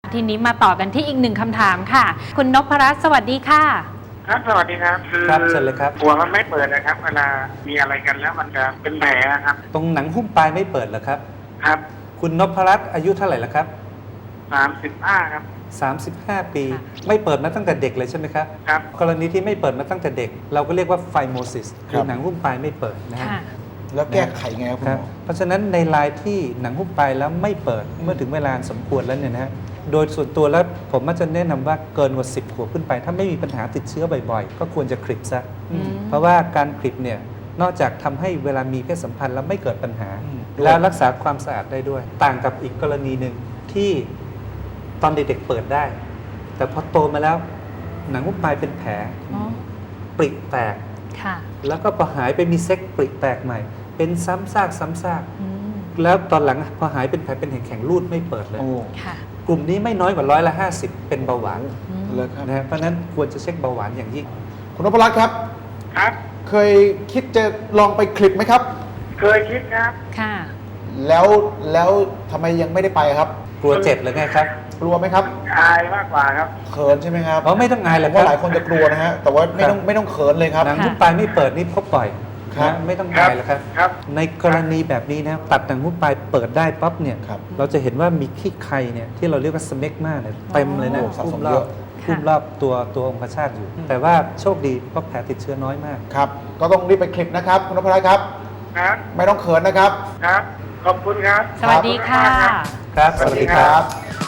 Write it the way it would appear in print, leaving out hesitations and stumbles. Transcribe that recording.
ทีนี้มาต่อกันที่อีกหนึ่งคำถามค่ะคุณนพรัตน์สวัสดีค่ะครับสวัสดีครับครับเชิญเลยครับหัวมันไม่เปิดนะครับเวลามีอะไรกันแล้วมันจะเป็นแผลครับตรงหนังหุ้มปลายไม่เปิดเหรอครับครับคุณนพรัตน์อายุเท่าไหร่แล้วครับ 35ครับ 35 ปีไม่เปิดมาตั้งแต่เด็กเลยใช่ไหมครับครับกรณีที่ไม่เปิดมาตั้งแต่เด็ก เราก็เรียกว่าไฟโมซิสคือหนังหุ้มปลายไม่เปิดนะฮะแล้วแก้ไขไงครับคุณหมอเพราะฉะนั้นในรายที่หนังหุ้มปลายแล้วไม่เปิดเมื่อถึงเวลาสมควรแล้วเนี่ยนะฮะโดยส่วนตัวแล้วผมมักจะแนะนำว่าเกินกว่า10 ขวบขึ้นไป ถ้าไม่มีปัญหาติดเชื้อบ่อยๆ ก็ควรจะคลิปซะเพราะว่าการคลิปเนี่ยนอกจากทำให้เวลามีเพศสัมพันธ์แล้วไม่เกิดปัญหา แล้วรักษาความสะอาดได้ด้วย ต่างกับอีกกรณีหนึ่งที่ตอนเด็กๆเปิดได้ แต่พอโตมาแล้วหนังหุ้มปลายเป็นแผลปริแตกแล้วก็พอหายไปมีเซ็กปริแตกใหม่ เป็นซ้ำซากซ้ำซากแล้วตอนหลังพอหายเป็นแผลเป็นแข็งๆรูดไม่เปิดเลยกลุ่มนี้ไม่น้อยกว่า50%เป็นเบาหวานนะฮะเพราะนั้นควรจะเช็คเบาหวานอย่างยิ่งคุณนพรัตน์ครับครับเคยคิดจะลองไปคลิปไหมครับเคยคิดครับค่ะแล้วทำไมยังไม่ได้ไปครับกลัวเจ็บหรือไงครับกลัวไหมครับอายมากกว่าครับเขินใช่ไหมครับเพราะไม่ต้องอายหรอกเพราะหลายคนจะกลัวนะฮะแต่ว่าไม่ต้องเขินเลยครับหนังหุ้มปลายไม่เปิดนี่พบบ่อยนะไม่ต้องอายหรอกครับในกรณีแบบนี้นะตัดหนังหุ้มปลายเปิดได้ปั๊บเนี่ยเราจะเห็นว่ามีขี้ไคเนี่ยที่เราเรียกว่าสเมกมาเนี่ยเต็มเลยนะหุ้มรอบตัวองคชาตอยู่ แต่ว่าโชคดีเพราะแผลติดเชื้อน้อยมากครับก็ต้องรีบไปคลิปนะครับคุณนพรัตน์ครับครับไม่ต้องเขินนะครับครับขอบคุณครับสวัสดีค่ะครับสวัสดีครับ